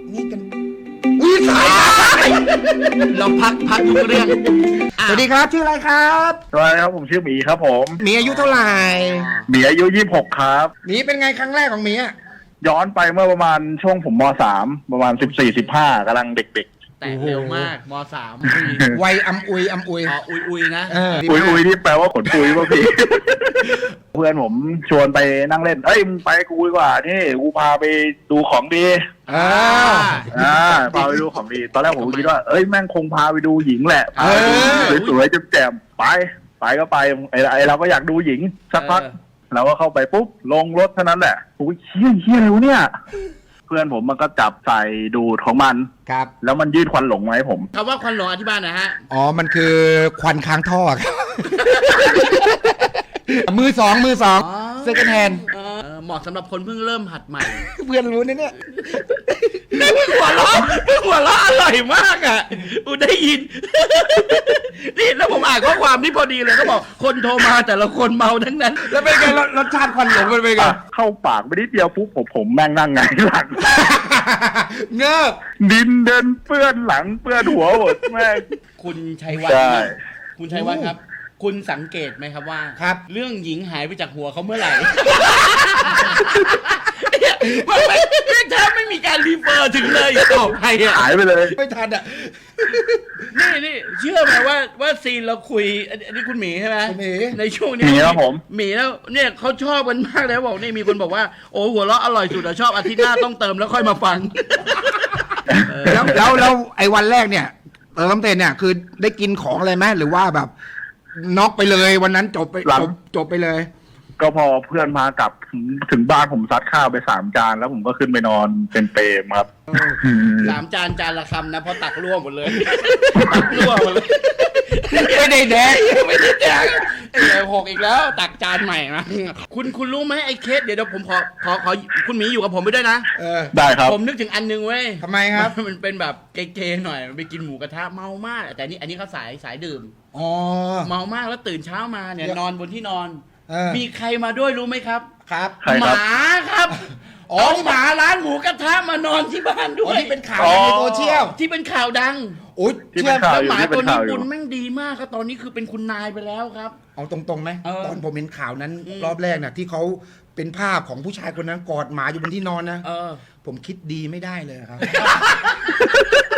นี่กันอุ้ยสายเราพักทุกเรื่องสวัสดีครับชื่ออะไรครับสวัสดีครับผมชื่อหมีครับผมหมีอายุเท่าไหร่หมีอายุ26ครับหมีเป็นไงครั้งแรกของหมีอะย้อนไปเมื่อประมาณช่วงผมม.3 ประมาณ14-15กำลังเด็กแต่เร็วมากมสามวัยอำอุยอุยนะๆอุยนี่แปลว่าขนปุยป่ะพี่ เพื่อนผมชวนไปนั่งเล่นเอ้ยมึงไปกูดีกว่านี่กูพาไปดูของดีพาไปดูของดีตอนแรกผมคิดว่าเอ้ยแม่งคงพาไปดูหญิงแหละพาไปดูสวยๆแจ่มๆไปก็ไปไอเราก็อยากดูหญิงสักพักเราก็เข้าไปปุ๊บลงรถเท่านั้นแหละโอ้ยเฮี้ยอะไรวะเนี่ยเพื่อนผมมันก็จับใส่ดูดของมันครับแล้วมันยืดควันหลงมาให้ผมคำว่าควันหลงอธิบายหน่อยฮะอ๋อมันคือควันค้างท่อครับ มือสองเซคันด์แฮนด์เหมาะสำหรับคนเพิ่งเริ่มหัดใหม่เพื่อนรู้นะเนี่ยหัวเราะอร่อยมากอ่ะอูได้ยิน นี่แล้วผมอ่านข้อความนี่พอดีเลยเขาบอกคนโทรมาแต่ละคนเมาทั้งนั้นแล้วเป็นไงรสชาติควันหลงเป็นไงเข้าปากไปนิดเดียวปุ๊บผมแม่งนั่งไงหลังเงือบดินเดินเปื้อนหลังเปื้อนหัวหมดแม่งคุณชัยวัฒน์ใช่คุณชัยวัฒน์ครับ คุณสังเกตไหมครับว่าครับเรื่องหญิงหายไปจากหัวเขาเมื่อไหร่ ไม่แทบไม่มีการรีเฟอร์ถึงเลยต่อไปอ่ะหายไปเลยไม่ทันอ่ะนี่เชื่อไหมว่าซีนเราคุยอันนี้คุณหมีใช่ไหมคุณหมีในช่วงนี้หมีครับผมหมีแล้วเนี่ยเขาชอบกันมากเลยบอกนี่มีคนบอกว่าโอ้หัวเราะอร่อยสุดอะชอบอาทิตย์หน้าต้องเติมแล้วค่อยมาฟังแล้วไอ้วันแรกเนี่ยเติมเต็มเนี่ยคือได้กินของอะไรไหมหรือว่าแบบน็อกไปเลยวันนั้นจบไปเลยก็พอเพื่อนมากลับถึงบ้านผมซัดข้าวไป3 จานแล้วผมก็ขึ้นไปนอนเป็นเปรมครับ 3 จานละคำนะเพราะตักร่วมหมดเลยตักร่วมหมดเลยไม่ได้แดกไม่ได้แดกไอ้หกอีกแล้วตักจานใหม่นะคุณรู้ไหมไอ้เคสเดี๋ยวผมขอคุณหมีอยู่กับผมไปด้วยนะได้ครับผมนึกถึงอันนึงเว้ยทำไมครับมันเป็นแบบเก๋ๆหน่อยมันไปกินหมูกระทะเมามากแต่อันนี้เขาสายดื่มอ๋อเมามากแล้วตื่นเช้ามาเนี่ยนอนบนที่นอนมีมีใครมาด้วยรู้ไหมครับครับใครหครับมาครับอ๋อหมาร้านหมูกระทะมานอนที่บ้านด้อ๋อวยที่เป็นข่าวในโซเชียลที่เป็นข่าวดังโอ้ยที่เชื่เป็อนข่าวแล้วอยู่หมาที่เป็ตัวน นี้ข่าวอยู่บุญแม่งดีมากครับตอนนี้คือเป็นคุณนายไปแล้วครับเอาตรงๆไหมเออตอนผมเห็นข่าวนั้นรอบแรกน่ะที่เขาเป็นภาพของผู้ชายคนนั้นกอดหมาอยู่บนที่นอนนะผมคิดดีไม่ได้เลยครับ